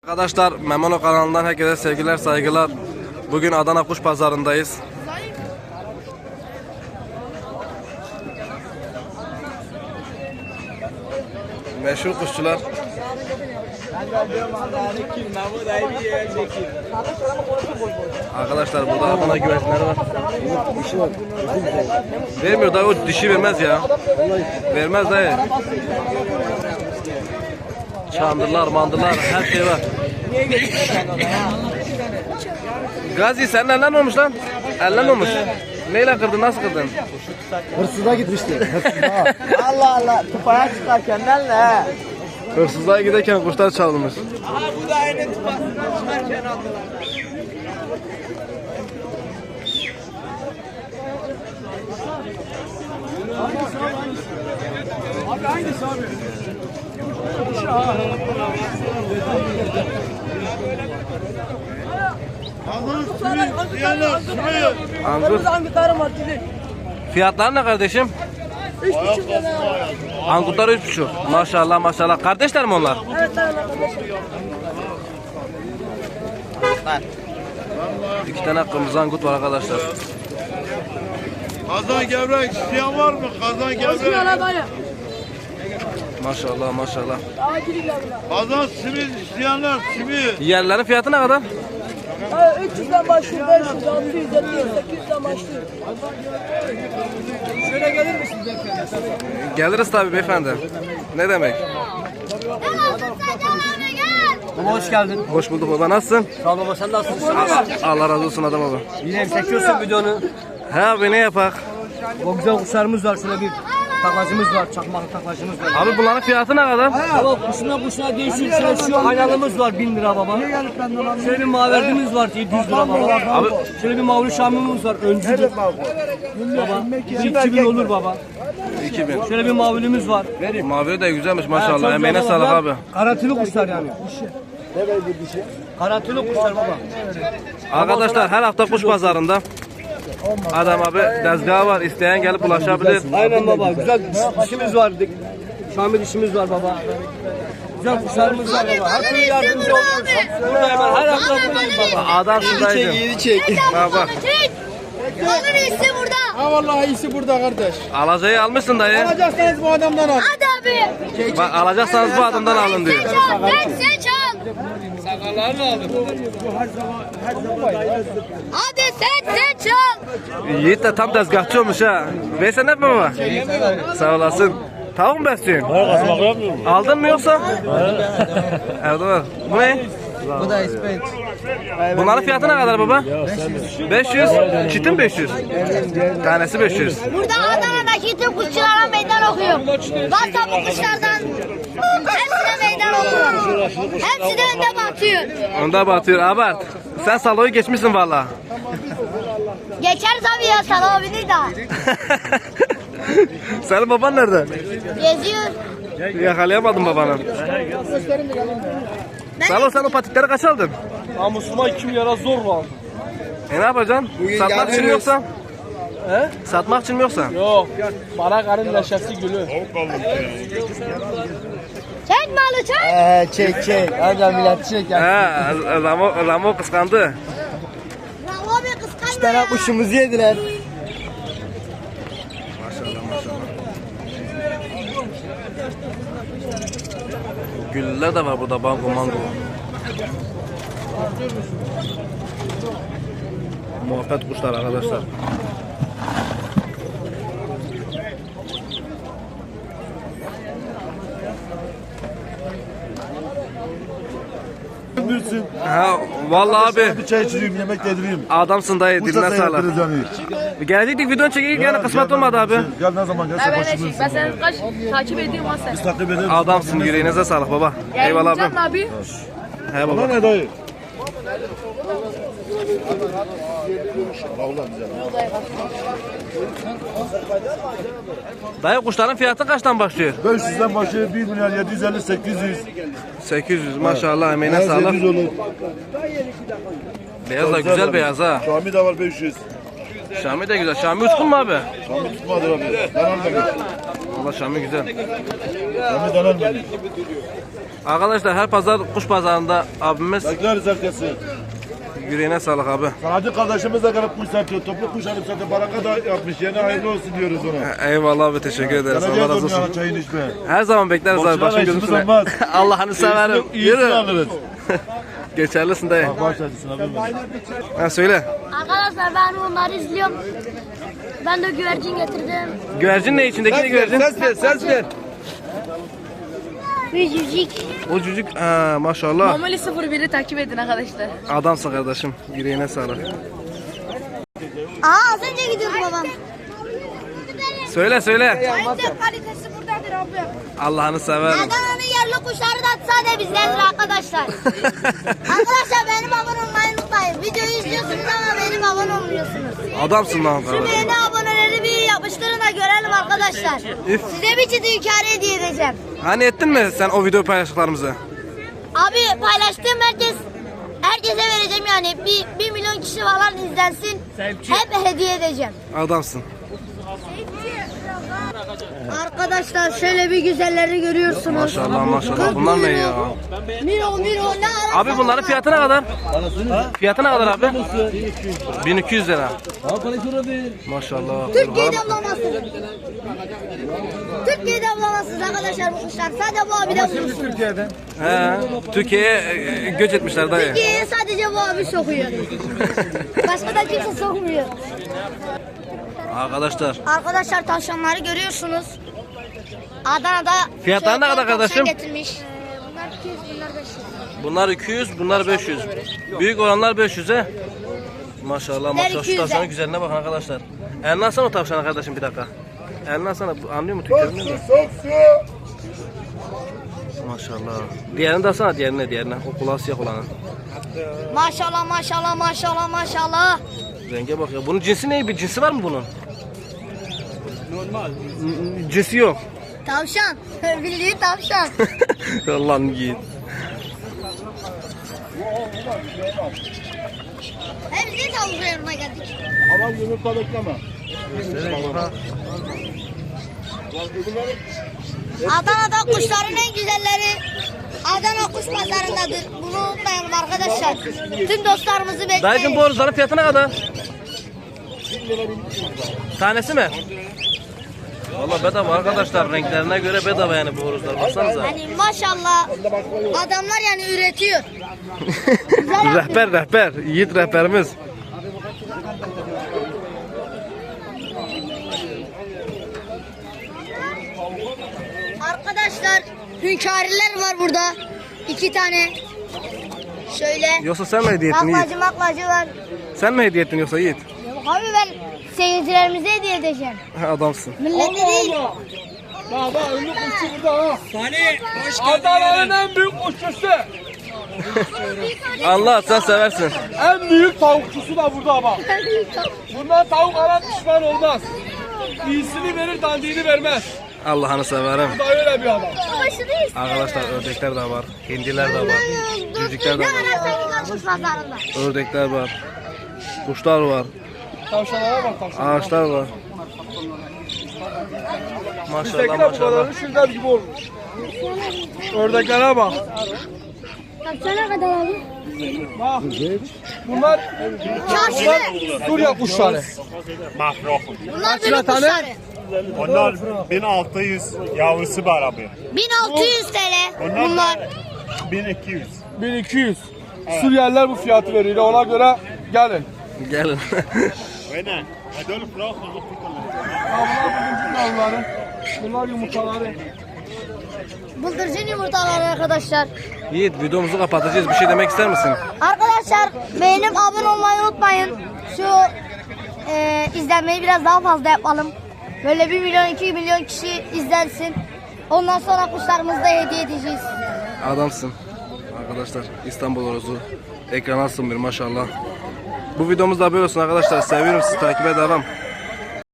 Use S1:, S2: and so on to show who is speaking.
S1: Arkadaşlar Memono kanalından herkese sevgiler saygılar. Bugün Adana Kuş Pazarındayız. Meşhur kuşçular. Arkadaşlar burada Adana güvercinleri var. Vermiyor dayı, o dişi vermez ya. Vermez dayı. Çandırlar, mandırlar, her şey var. Gazi senin elden olmuş lan. Elden olmuş. Neyle kırdın, nasıl kırdın?
S2: Hırsıza gitmişti. Hırsıza.
S3: Allah Allah, tıpaya çıkarken ne?
S1: Hırsızlığa giderken kuşlar çalınmış.
S3: Aha bu da aynı tıpasından çıkarken aldılar. Abi hangisi abi?
S1: Angut. Fiyatlar ne kardeşim?
S3: 3,5 lira.
S1: Angutlar 3,5. Maşallah maşallah. Kardeşler mi onlar?
S3: Evet kardeşim.
S1: İki tane kırmızı angut var arkadaşlar.
S4: Kazan gevrek isteyen var mı? Kazan gevrek.
S1: Maşallah maşallah.
S4: Kazan simit isteyenler simit.
S1: Yerlerin fiyatı ne kadar?
S3: 300'den başlıyor, 500, 600, 700, 800'den başlıyor. Şöyle gelir misiniz efendim?
S1: Geliriz tabii beyefendi. Ne demek?
S2: Baba hoş geldin.
S1: Hoş bulduk baba, nasılsın?
S2: Sağ ol baba, sen nasılsın?
S1: Allah razı olsun adam baba.
S2: Yine çekiyorsun videonu.
S1: He abi, ne yapak?
S2: O güzel kuşlarımız var, şöyle bir taklacımız var, çakmaklı taklacımız var.
S1: Abi bunların fiyatı ne kadar?
S2: Baba kuşuna değişiyor. Şöyle şu aynalımız var 1000 lira baba. Şöyle bir maverdimiz var 700 lira baba.
S1: Abi
S2: Şöyle bir mavri şamımız var öncüdür. Baba 2000 olur baba.
S1: 2000.
S2: Şöyle bir mavilimiz var.
S1: Mavi de güzelmiş
S2: Çok
S1: maşallah.
S2: güzel
S1: Emeğine
S2: baba.
S1: sağlık abi.
S2: Karantılı kuşlar yani. Karantılı kuşlar baba.
S1: Arkadaşlar her hafta kuş pazarında Adam abi tezgahı var. İsteyen gelip ulaşabilir.
S2: Aynen baba. Güzel dişimiz var. Şamil dişimiz var baba. Güzel kuşlarımız var baba. Her türlü yardımcı oluyoruz. Burada hemen her hafta buradayım baba.
S1: Adam şuradaydı. Bak bak.
S5: Alın iyisi burada.
S4: Ha vallahi iyisi burada kardeş.
S1: Alacayı almışsın dayı.
S4: Alacaksanız bu adamdan al.
S5: Hadi abi.
S1: Bak alacaksanız bu adamdan alın diyor.
S5: Seç al. Seç al. Hadi seç al.
S1: Yiğit de tam tezgahçı olmuş ha. Veysel mi baba? Sağ olasın. Tavuk mu besliyorsun? Aldın mı yoksa? Evde var. Bu ne?
S3: Bu da ispenç.
S1: Bunların fiyatı ne kadar baba? 500. Çitin 500. Tanesi 500.
S5: Burada Adana'daki tüm kuşçulara meydan okuyorum. Varsa bu kuşlardan hepsine meydan okuyorum. Hepsi de önde batıyor.
S1: Onda batıyor. Abart. Sen saloyu geçmişsin valla.
S5: Geçeriz abi ya sana abini daha.
S1: Senin baban nerede?
S5: Geziyor.
S1: Yakalayamadım babanı. Salo, sen o patikleri kaç aldın?
S2: Namusuma 2 milyara zor var.
S1: Ne yapacaksın? Satmak için mi yoksa?
S2: He?
S1: Satmak için mi yoksa?
S2: Yok. Para karın neşesi gülü.
S5: Çek malı çek.
S3: Çek. Hadi millet çek.
S1: He, Ramo kıskandı.
S5: Bravo abi kıskanma
S3: 3 tane
S5: ya.
S3: kuşumuzu yediler.
S1: Maşallah maşallah. Güller de var burada, bango mango. Muhabbet kuşlar arkadaşlar.
S4: Bilsin.
S1: Ha vallahi abi
S4: Bir çay içireyim, yemek yedireyim.
S1: adamsın dayı, diline
S4: Bursa
S1: sağlık.
S4: seyrettiririz yani.
S1: Gelecektik videonu çekeyim, yani kısmet olmadı abi.
S4: Gel ne zaman gelse başımız.
S6: Ben seni kaç takip ediyorum ha sen.
S4: Takip edelim.
S1: Adamsın, yüreğinize sağlık baba. Eyvallah abi.
S6: Abi.
S1: He baba.
S4: Bana ne dayı?
S1: Dayı kuşların fiyatı kaçtan başlıyor?
S4: 500'den başlıyor 1 milyar 750 800.
S1: 800 maşallah, emeğine sağlık.
S4: 800 olur.
S1: Beyaz da güzel beyaz ha.
S4: Şami de var 500.
S1: Şami de güzel. Şami uçkun mu abi?
S4: Şami tutmadır abi. Danalmadı.
S1: Valla Şami güzel.
S4: Şami danalmadı.
S1: Arkadaşlar her pazar kuş pazarında abimiz
S4: Bekleriz herkesi.
S1: yüreğine sağlık abi.
S4: Sanatçı kardeşimiz de gelip kuş satıyor. Toplu kuş alıp satıyor. Baraka da yapmış. Yeni hayırlı olsun diyoruz ona.
S1: Eyvallah abi, teşekkür ederiz. Allah
S4: Geleceğiz
S1: razı
S4: onun yanına
S1: olsun.
S4: çayını içmeye.
S1: Her zaman bekleriz abi.
S4: Boşuna
S1: Başım
S4: işimiz
S1: gözüm üstüne.
S4: olmaz.
S1: Allah'ını severim.
S4: İyisini
S1: Yürü.
S4: alırız.
S1: Geçerlisin dayı.
S4: Baş tacısın abi.
S1: Ha söyle.
S5: Arkadaşlar ben onları izliyorum. Ben de güvercin getirdim.
S1: Güvercin ne içindeki ne güvercin?
S2: Ses ver.
S5: Bir cücük.
S1: O cücük ha, maşallah.
S6: Mamuli 01'i takip edin arkadaşlar.
S1: Adamsın kardeşim. Yüreğine sağlık.
S5: Aa az önce gidiyordu babam.
S1: Söyle söyle.
S5: Ayıp kalitesi buradadır abi.
S1: Allah'ını severim.
S5: Adana'nın yerli kuşları da sadece bizdendir arkadaşlar. Arkadaşlar benim abone olmayı unutmayın. Videoyu izliyorsunuz ama benim abone olmuyorsunuz.
S1: Adamsın lan
S5: Şu
S1: kardeşim.
S5: beğeni aboneleri bir yapıştırın da görelim arkadaşlar.
S1: Üf.
S5: Size bir ciddi hikaye hediye edeceğim.
S1: Hani ettin mi sen o video paylaştıklarımızı?
S5: Abi paylaştığım herkese vereceğim yani. Bir milyon kişi falan izlensin. Hep hediye edeceğim.
S1: Adamsın.
S5: Arkadaşlar şöyle bir güzelleri görüyorsunuz.
S1: Maşallah maşallah. Bunlar ne ya?
S5: Miro ne ara?
S1: Abi bunların fiyatı ne kadar? Fiyatı ne kadar abi? 1200 lira. Maşallah.
S5: Türkiye'de avlamasın. Türkiye'de avlamasın arkadaşlar bu kuşlar. Sadece bu abi de vurursun.
S1: He, Türkiye'ye göç etmişler dayı.
S5: Türkiye'ye sadece bu abi sokuyor. Başka da kimse sokmuyor.
S1: Arkadaşlar.
S5: Arkadaşlar tavşanları görüyorsunuz. Adana'da
S1: Fiyatları ne kadar
S5: tavşan
S1: kardeşim?
S5: getirmiş. Bunlar 200, bunlar 500.
S1: Bunlar 200, bunlar 500. Büyük olanlar 500 he. Maşallah maşallah. Şu
S5: 200'e.
S1: tavşanın güzelliğine bakın arkadaşlar. Eline alsana o tavşanı kardeşim bir dakika. Eline alsana. Anlıyor mu Türkçe? Maşallah. Diğerini de alsana, diğerine. O kulağı siyah olanı.
S5: Maşallah maşallah maşallah maşallah.
S1: Renge bak ya. Bunun cinsi ne? Bir cinsi var mı bunun? Normal. Cinsi yok.
S5: Tavşan. Bildiğin tavşan.
S1: Allah'ın yiğit.
S5: Hepsi tavşan yanına geldik.
S4: Ama yumurta bekleme.
S5: Adana'da kuşların en güzelleri Adana kuş pazarındadır. Bunu unutmayalım arkadaşlar. Tüm dostlarımızı
S1: Dayıcım
S5: bekleyin.
S1: bu horozların fiyatı ne kadar? Tanesi mi? Valla bedava arkadaşlar, renklerine göre bedava yani bu horozlar, baksanıza.
S5: Hani maşallah adamlar yani üretiyor.
S1: Rehber, yiğit rehberimiz.
S5: Arkadaşlar hünkâriler var burada. 2 tane. Şöyle.
S1: Yoksa sen mi hediye ettin Yiğit?
S5: Maklacı var.
S1: Sen mi hediye ettin yoksa Yiğit?
S5: Abi ben seyircilerimize hediye edeceğim.
S1: Adamsın.
S5: Millete değil.
S2: Adana'nın en büyük kuşçusu.
S1: Allah sen seversin.
S2: En büyük tavukçusu da burada bak. Bundan tavuk alan pişman olmaz. İyisini verir, dandiğini vermez.
S1: Allah'ını severim.
S2: Bu da öyle bir adam.
S1: Arkadaşlar ördekler de var, hindiler de var, cücükler de
S5: Ne
S1: var,
S5: kadar kuş pazarında.
S1: ördekler var, kuşlar var,
S2: Tavşanlara bak tavşanlara.
S1: ağaçlar var. Maşallah
S2: Bizdeki de bu
S1: maşallah.
S2: kadarı şırdan gibi olmuş. Ördeklere bak.
S5: Kaçana kadar abi?
S2: Bak. Bunlar
S5: Çarşı.
S2: Suriye kuşları.
S5: Bunlar benim kuşları.
S7: Onlar 1600 yavrusu var abi.
S5: 1600 TL. Bunlar.
S7: 1200.
S2: 1200. Suriyeliler bu fiyatı veriyor. Ona göre gelin.
S1: Gelin.
S7: Aynen. Adolf Rauch
S2: Bunlar yavruları. Bunlar yumurtaları.
S5: Bıldırcın yumurtaları arkadaşlar.
S1: Yiğit videomuzu kapatacağız. Bir şey demek ister misin?
S5: Arkadaşlar beğenip abone olmayı unutmayın. Şu izlenmeyi biraz daha fazla yapalım. Böyle 1 milyon 2 milyon kişi izlensin. Ondan sonra kuşlarımızı da hediye edeceğiz.
S1: Adamsın. Arkadaşlar İstanbul horozu. Ekrana alsın bir maşallah. Bu videomuz da böyle olsun arkadaşlar. Seviyorum sizi. Takibe devam.